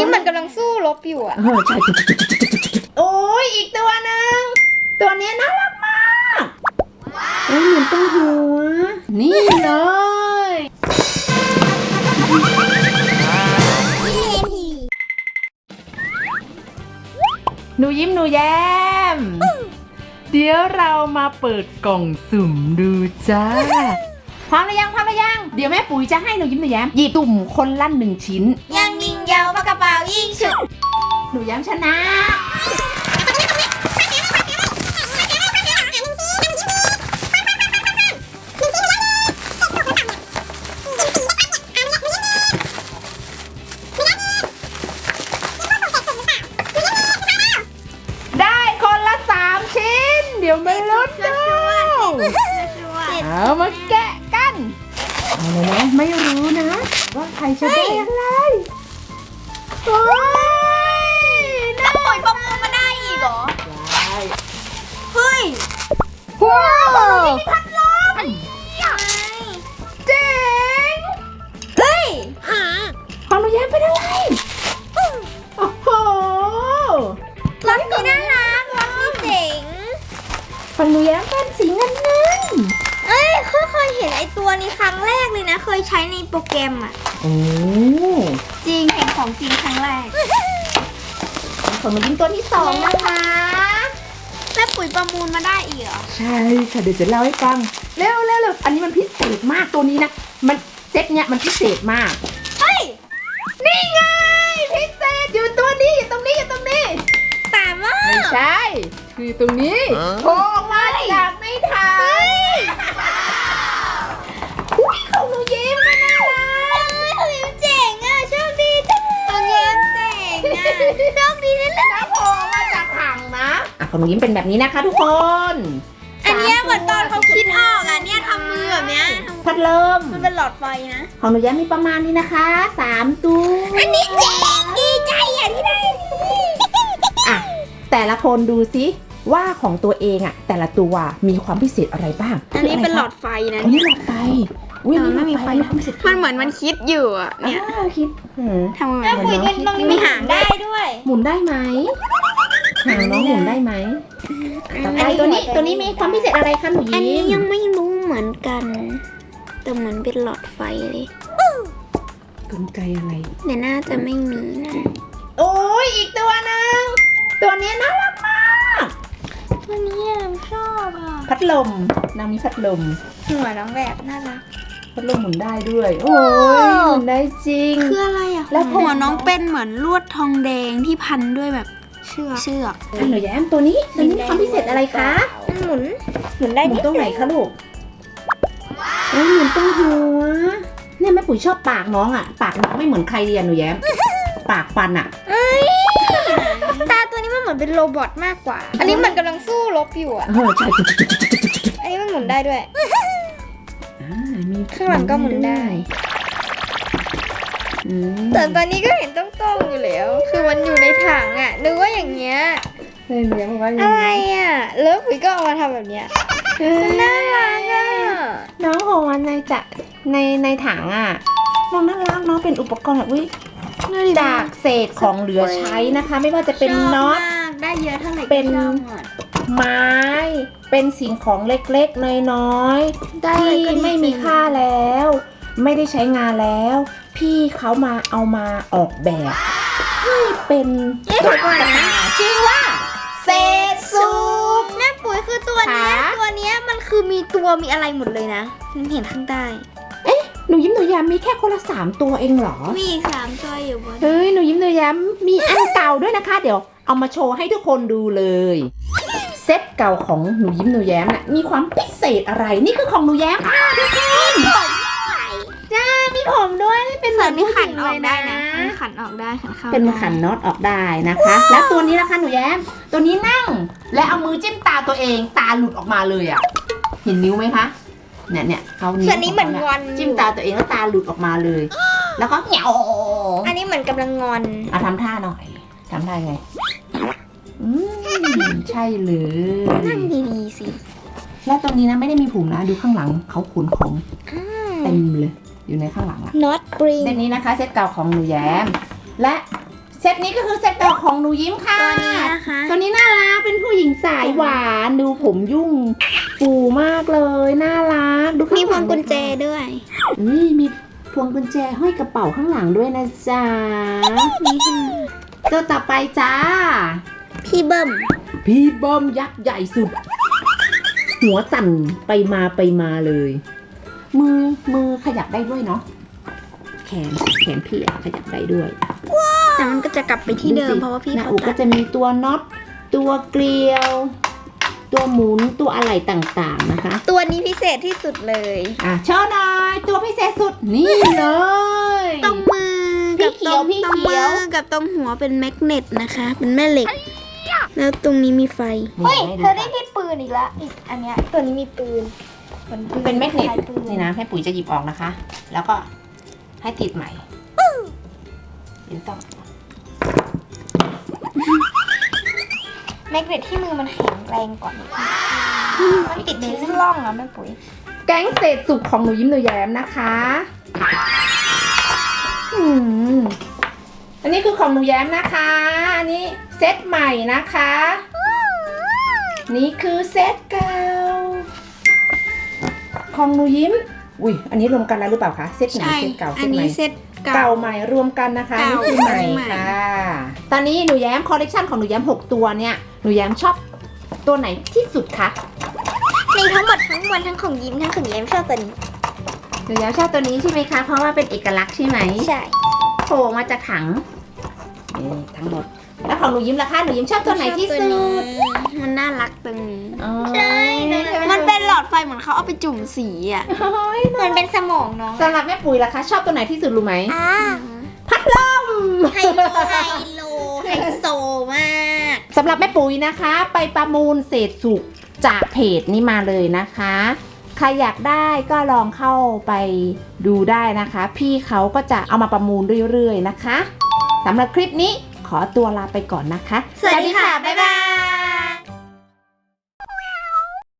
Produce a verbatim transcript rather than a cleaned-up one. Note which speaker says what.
Speaker 1: นี้มันกำลังสู้รบอยู่อ่ะ
Speaker 2: เออใช่โอ้ยอีกตัวหนึ่งตัวนี้น่ารักมากโอ้ยเหมือนตัวหัวนี่เลยหนูยิ้มหนูแย้มเดี๋ยวเรามาเปิดกล่องสุ่มดูจ้าพร้อมหรือยังพร้อมหรือยังเดี๋ยวแม่ปุ๋ยจะให้หนูยิ้มหนูแย้มหยิบตุ่มคนละหนึ่งชิ้น
Speaker 1: ยังยิงยาวปากกระเป๋ายิงฉุก
Speaker 2: หนูแย้มชนะได้คนละสามชิ้นเดี๋ยวไม่ลุ้นดูเอามาแกะกันเอาเลยนะไม่รู้นะว่าใครจะได้อะไรโอ้ย
Speaker 1: ถ้าปล่อยประมูลมาได้อีกเหรอ
Speaker 2: ได้
Speaker 1: เฮ้ย
Speaker 2: ว้าว
Speaker 1: มีพัดลม
Speaker 2: เจ๋ง
Speaker 1: เฮ้ย
Speaker 2: ของหนูแย้มเป็นอะไรโอ้โห
Speaker 1: รถนี้น่ารักรถนี้เจ๋ง
Speaker 2: ของหนูแย้มเป็นสีเงินเงิน
Speaker 1: เอ้ยเคยเห็นไอตัวนี้ครั้งแรกเลยนะ เคยใช้ในโปรแกรมอ่ะ
Speaker 2: โอ้
Speaker 1: จริงเห็นของจริงครั้งแรก
Speaker 2: ของหนูยิ้มตัวที่สองนะคะ
Speaker 1: แม่ปุ๋ยประมูลมาได้อีกเหรอ
Speaker 2: ใช่ค่ะเดี๋ยวจะเล่าให้ฟังเร็วเร็วเร็วอันนี้มันพิเศษมากตัวนี้นะมันเซตเนี้ยมันพิเศษมาก
Speaker 1: เฮ้ย
Speaker 2: นี่ไงพิเศษอยู่ตัวนี้อยู่ตรงนี้อยู่ตรงนี้
Speaker 1: แต่ว่า
Speaker 2: ไม่ใช่คือตรงนี้โผล่ออกมาจากในถังอุ้ยของหนูยิ้มก็น่ารัก
Speaker 1: เฮ้ยของยิ้มเจ๋งอ่ะโชคดีจังของยิ้มเจ๋งอ่ะโชคดีนั่นแหละ
Speaker 2: ถ้าโผล่มาจากถังนะอ่ะของหนูยิ้มเป็นแบบนี้นะคะทุกคน
Speaker 1: อันเนี้ยเหมือนตอนเขาคิดออกอ่ะเนี่ยทำมือแบบเนี้ย
Speaker 2: พัดลม
Speaker 1: มันเป็นหลอดไฟนะ
Speaker 2: ของหนูแย้มมีประมาณนี้นะคะสามตัว
Speaker 1: อันนี้เจ๋งดีใจอ่ะที่ได้
Speaker 2: อ่ะแต่ละคนดูซิว่าของตัวเองอ่ะแต่ละตัวมีความพิเศษอะไรบ้าง
Speaker 1: อันนี้เป็นหลอดไฟนะ
Speaker 2: อันนี้หลอดไฟอุ้ย
Speaker 1: แต่มันไม่มีไฟ
Speaker 2: ความพิเศษ
Speaker 1: มันเหมือนมันคิดอยู่อ่ะ
Speaker 2: เนี่
Speaker 1: เนี่ย ย
Speaker 2: คิดหืม
Speaker 1: ทำมือ
Speaker 2: แล้วคุยกันตรงนี้
Speaker 1: มีหางได้ด้วย
Speaker 2: หมุนได้ไหมหางน้องหมุนได้ไหมต่อไปตัวนี้ตัวนี้มีความพิเศษอะไรคะหนู
Speaker 1: อัน
Speaker 2: ยิ้
Speaker 1: นี้
Speaker 2: ม
Speaker 1: ยังไม่รู้เหมือนกัน แต่เหมือนเป็นหลอดไฟเลย
Speaker 2: กลไกอะไร
Speaker 1: แต่น่าจะไม่มีนะ
Speaker 2: โอ้ยอีกตัวหนึงตัวนี้น่ารักมาก
Speaker 1: ตัวนี้ชอบอ่ะ
Speaker 2: พัดลมนางมีพัดลม
Speaker 1: หัวน้องแบบน่ารัก
Speaker 2: พัดลมหมุนได้ด้วย โอ้ยหมุนได้จริง
Speaker 1: คืออะไรอ่ะ
Speaker 2: แล้ว
Speaker 1: หัวน้องเป็นเหมือนลวดทองแดงที่พันด้วยแบบเชือกเชือก
Speaker 2: อ่ะหนูแย้มตัวนี้ตัวนี้มีความพิเศษอะไรคะ
Speaker 1: มันหมุนหมุนได้
Speaker 2: หมุนตรงไหนคะลูกเอ้ยหมุนตรงหัวเนี่ยแม่ปุ๋ยชอบปากน้องอ่ะ ปากน้องไม่เหมือนใครเรียนหนูแย้ม ปากฟันอ่ะ
Speaker 1: ตาตัวนี้มันเหมือนเป็นโรบอทมากกว่า อันนี้มันกำลังสู้รบอยู่อ่ะ
Speaker 2: เออใช่
Speaker 1: อันนี้มันหมุนได้ด้วย
Speaker 2: อ่ามี
Speaker 1: ข้างหลังก็หมุนได้
Speaker 2: อืม
Speaker 1: แต่ตอนนี้ก็เห็นต้องต้องๆอยู่แล้ว คือมันอยู่ในถังอ่ะ นึกว่าอย่างเงี้ย
Speaker 2: ใช่หนูแย้มบอกว่าอย่าง
Speaker 1: อะไร
Speaker 2: นี้
Speaker 1: อ่ะ แล้วปุ๋ยก็เอามาทำแบบเนี้ย
Speaker 2: เออ
Speaker 1: น่ารักอ่ะ
Speaker 2: น้องของมันในจะในในถังอ่ะน้องน่ารักน้องเป็นอุปกรณ์แบบวิจากเศษของเหลือใช้นะคะ ไม่ว่าจะเป็น
Speaker 1: ชอบ
Speaker 2: น็อต
Speaker 1: มากได้เยอะเท่าไหร่ก็
Speaker 2: เป็น
Speaker 1: ชอบหมด
Speaker 2: ไม้ เป็นสิ่งของเล็กๆน้อยๆ
Speaker 1: ได้
Speaker 2: ที่
Speaker 1: ก็ดี
Speaker 2: ไม่มี
Speaker 1: จริง
Speaker 2: ค่าแล้ว ไม่ได้ใช้งานแล้ว พี่เขามาเอามาออกแบบให้เป็น
Speaker 1: เอ๊ะเดี๋ยวก่อนนะ
Speaker 2: ชื่อว่าเศษสุก
Speaker 1: แม่ปุ๋ยคือตัวเนี้ย
Speaker 2: ค่ะ
Speaker 1: ตัวเนี้ยมันคือมีตัวมีอะไรหมดเลยนะมันเห็นข้างใต้
Speaker 2: หนูยิ้มหนูแย้มมีแค่คนละสามตัวเองเหรอ
Speaker 1: มีอีกสามตัวอยู่บน
Speaker 2: เฮ้ยหนูยิ้มหนูแย้มมีอันเก่าด้วยนะคะ เดี๋ยวเอามาโชว์ให้ทุกคนดูเลย เซตเก่าของหนูยิ้มหนูแย้มน่ะมีความพิเศษอะไรนี่คือของหนูแย้มค่ะทุกคนจ้ามีผมด้วยเป็น
Speaker 1: ส่วนนี้ขัน
Speaker 2: ผู้
Speaker 1: อ
Speaker 2: หญิ
Speaker 1: อก
Speaker 2: ง
Speaker 1: ได้
Speaker 2: เลย
Speaker 1: นะขันออกได้ขันเข้า
Speaker 2: เป็น
Speaker 1: ได้
Speaker 2: ขันน็อตออกได้นะคะ แล้วตัวนี้นะคะหนูแย้ม ตัวนี้นั่ง และเอามือจิ้มตาตัวเองตาหลุดออกมาเลยอ่ะเห็นนิ้วไหมคะเนี่ยเนี่ยเขานิ้ว
Speaker 1: ส่วนนี้เหมือนงอน
Speaker 2: จิ้มตาตัวเองแล้วตาหลุดออกมาเลย แล้วก็เหนียว
Speaker 1: อันนี้เหมือนกำลังงอน
Speaker 2: เอาทำท่าหน่อยทำท่าไงอืมใช่เลย
Speaker 1: นั่งดีๆสิ
Speaker 2: แล้วตรงนี้นะไม่ได้มีผมนะดูข้างหลังเขาขนของเต็มเลย อยู่ในข้างหลังอะ
Speaker 1: น็อตกรีน
Speaker 2: เซตนี้นะคะเซตเก่าของหนูแย้ม และเซตนี้ก็คือเซตเก่าของหนูยิ้มค่ะ
Speaker 1: ตัวนี้นะคะ
Speaker 2: ตัวนี้น่ารักเป็นผู้หญิงสายหวานดูผมยุ่งฟูมากเลยน่ารักดูข้างห
Speaker 1: มี
Speaker 2: ลัง
Speaker 1: พวงกุญแจด้วย
Speaker 2: อุ้ยมีพวงกุญแจห้อยกระเป๋าข้างหลังด้วยนะจ๊ะ
Speaker 1: นี่ค่ะ
Speaker 2: ตัวต่อไปจ้า
Speaker 1: พี่เบิ้ม
Speaker 2: พี่เบิ้มยักษ์ใหญ่สุด หัวสั่นไปมาไปมาเลย มือมือขยับได้ด้วยเนาะแขนแขนพี่อะขยับได้ด้วย
Speaker 1: แต่มันก็จะกลับไปที่เดิม
Speaker 2: สิ
Speaker 1: เพราะว่าพี่
Speaker 2: หน้า
Speaker 1: เขา
Speaker 2: อก
Speaker 1: ตั
Speaker 2: ก็
Speaker 1: ด
Speaker 2: จะมีตัวน็อตตัวเกลียว ตัวหมุนตัวอะไรต่างๆนะคะ
Speaker 1: ตัวนี้พิเศษที่สุดเลย
Speaker 2: อ่ะโชว์หน่อยตัวพิเศษสุดนี่เลย
Speaker 1: ตรงมือ
Speaker 2: พี่
Speaker 1: กับ
Speaker 2: เขี
Speaker 1: ต
Speaker 2: ย
Speaker 1: ร
Speaker 2: ว
Speaker 1: ง
Speaker 2: พี่
Speaker 1: ตรง
Speaker 2: เขี
Speaker 1: มื
Speaker 2: ยว
Speaker 1: อกับตรงหัวเป็นแมกเนตนะคะ เป็นแม่เหล็ก แล้วตรงนี้มีไฟ
Speaker 2: เฮ้ยเธอได้
Speaker 1: ที่ปืนอีกแล้วอีกอันเนี้ยตัวนี้มีปืน
Speaker 2: เป็นแมกเนตนี่นะให้ปุ๋ยจะหยิบออกนะคะ แล้วก็ให้ติดใหม่ยินต้อง
Speaker 1: แมกเนตที่มือมันแข็งแรงก่อนมันติดที่ร่องอะแม่ปุ๋ย
Speaker 2: แก๊งเศษสุกของหนูยิ้มหนูแย้มนะคะอืมอันนี้คือของหนูแย้มนะคะ อันนี้เซตใหม่นะคะ นี่คือเซตเก่าของหนูยิ้ม อุ้ยอันนี้รวมกันแล้วหรือเปล่าคะ เซตไหน
Speaker 1: ใช่
Speaker 2: เซตเก่าเซ
Speaker 1: อั
Speaker 2: ต
Speaker 1: น
Speaker 2: ใหม่
Speaker 1: นี้เซตเก่า
Speaker 2: เก่าใหม่รวมกันนะคะ
Speaker 1: เก่า
Speaker 2: นี่คือใหม่
Speaker 1: ใหม่
Speaker 2: ค่ะ ตอนนี้หนูแย้มคอลเลกชันของหนูแย้มหกตัวเนี่ยหนูแย้มชอบตัวไหนที่สุดคะ
Speaker 1: ในทั้งหมดทั้งมวลทั้งของยิ้มทั้งของแย้มชอบตัวนี้
Speaker 2: หนูแย้มชอบตัวนี้ใช่ไหมคะ เพราะว่าเป็นเอกลักษณ์ใช่ไหม
Speaker 1: ใช่
Speaker 2: โผล่มาจากถังนี่ทั้งหมด แล้วของหนูยิ้มล่ะคะ หนูยิ้มชอบตัวไหนที่สุด
Speaker 1: มันน่ารักตรงนี้
Speaker 2: อ๋อ
Speaker 1: มันเป็นหลอดไฟเหมือนเขาเอาไปจุ่มสีอ่ะ
Speaker 2: โอ้ย
Speaker 1: มันเป็นสมองน้อง
Speaker 2: สำหรับแม่ปุ๋ยล่ะคะ ชอบตัวไหนที่สุดรู้ไหม
Speaker 1: อ่า
Speaker 2: พัดลม
Speaker 1: ไฮโลไฮโลไฮโซมาก
Speaker 2: สำหรับแม่ปุ๋ยนะคะ ไปประมูลเศษสุกจากเพจนี้มาเลยนะคะ ใครอยากได้ก็ลองเข้าไปดูได้นะคะ พี่เขาก็จะเอามาประมูลเรื่อยๆนะคะสำหรับคลิปนี้ขอตัวลาไปก่อนนะคะ
Speaker 1: สวัสดีค่ะ บ๊ายบาย